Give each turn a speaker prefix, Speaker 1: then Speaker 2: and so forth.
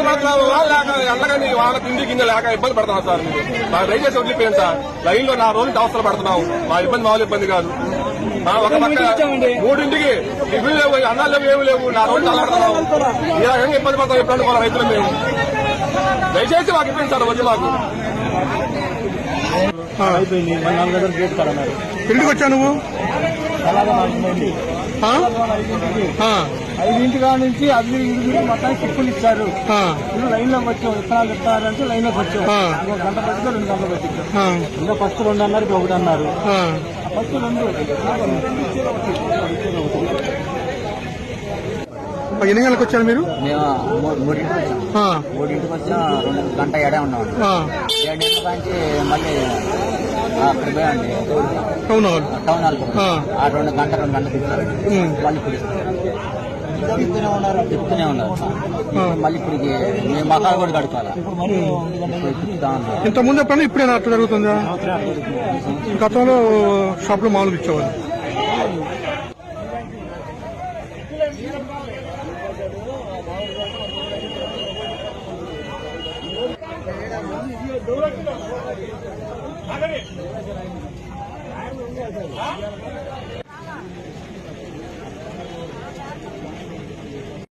Speaker 1: ఎండగాని వాళ్ళ తిండి గిన్నె లేక ఇబ్బంది పడుతున్నాం సార్. మీరు మాకు దయచేసి వదిలిపోయాను సార్. లైన్ లో 4 రోజులు అవసరం పడుతున్నాం. మా ఇబ్బంది మామూలు ఇబ్బంది కాదు. ఒక పక్క 3ంటికి టిఫిన్ లేవు, అన్నాలు లేవు, ఏమి లేవు. 4 రోజులు చల్లాడుతున్నాం. ఈ రకంగా ఇబ్బంది పడతాం. ఎప్పుడు వాళ్ళ రైతులు మేము దయచేసి మాకు ఇబ్బంది సార్. వచ్చి మాకు
Speaker 2: ఎందుకు వచ్చా నువ్వు?
Speaker 3: 5 కాడ నుంచి అది మొత్తానికి చెప్పులు ఇచ్చారు. లైన్ లోకి వచ్చాం, విత్తనాలు ఇస్తారంటే లైన్ లోకి వచ్చాం. 1 గంట పట్టిందో 2 గంటలు పట్టించాం. ఇంకా ఫస్ట్ 2 అన్నారు, 1 అన్నారు. ఫస్ట్ 2
Speaker 2: ఎన్ని గంటలకు వచ్చారు మీరు?
Speaker 3: మేము 3ంటికి వచ్చాం. 2 గంట ఏడే ఉన్నాం. 7 నుంచి మళ్ళీ అక్కడ పోయండి టౌన్ హాల్. ఆ 2 గంటలు తిప్పారు. మళ్ళీ చెప్తూనే ఉన్నారు. మళ్ళీ ఇప్పటికి మేము మకాలు కూడా గడపాలి.
Speaker 2: ఇంత ముందు ఎప్పుడైనా ఇప్పుడైనా అట్లా జరుగుతుందా? గతంలో షాప్ లో మామూలుగా ఇచ్చేవాళ్ళు.